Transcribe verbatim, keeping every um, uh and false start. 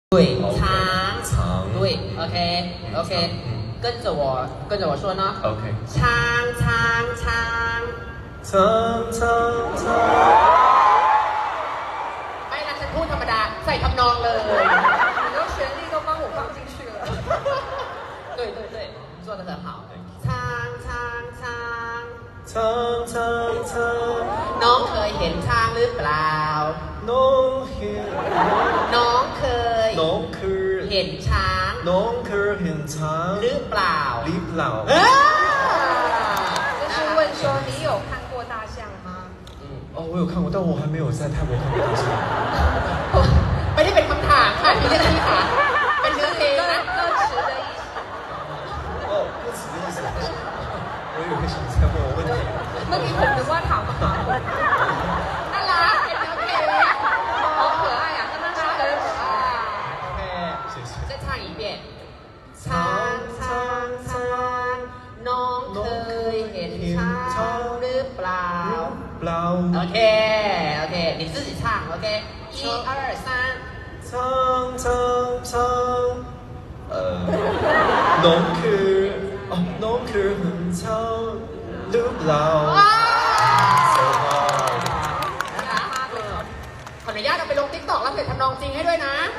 对，长长对 ，OK OK，跟着我跟着我说呢。 OK， 长长长长长长。 ไม่นะฉันพูดธรรมดาใส่ทำนองเลย很多旋律都帮我放进去了。 对对对，做得很好。长长长长长长， น้องเคยเห็นช้างหรือเปล่าน้องเห็นน้องเคยน้องเคยเห็นช้างน้องเคยเห็นช้างหรือเปล่าหรือเปล่าเออ就是问说你有看过大象吗？ 哦，我有看过，但我还没有在泰国看过大象。 ไม่ได้เป็นคำถามค่ะพี่เจนนี่ค่ะเป็นเนื้อเพลงนะ歌词的意思。 哦，歌词的意思。我以为是你在问我问题。 เมื่อกี้ผมนึกว่าถามหาผมน่ารักเป็นเนื้อเพลง好可爱呀，跟他唱的很可爱。 โอเค谢谢。 再唱一遍ช้างช้างช้างน้องเคยเห็นช้างหรือเปล่าเปล่าโอเคโอเค你自己唱 OK 一二三长长长，呃，น้องคืออ๋อน้องคือเห็นช้างหรือเปล่า So hard นะคะขออนุญาตเอาไปลงติ๊กต็อกแล้วเพจทำนองจริงให้ด้วยนะ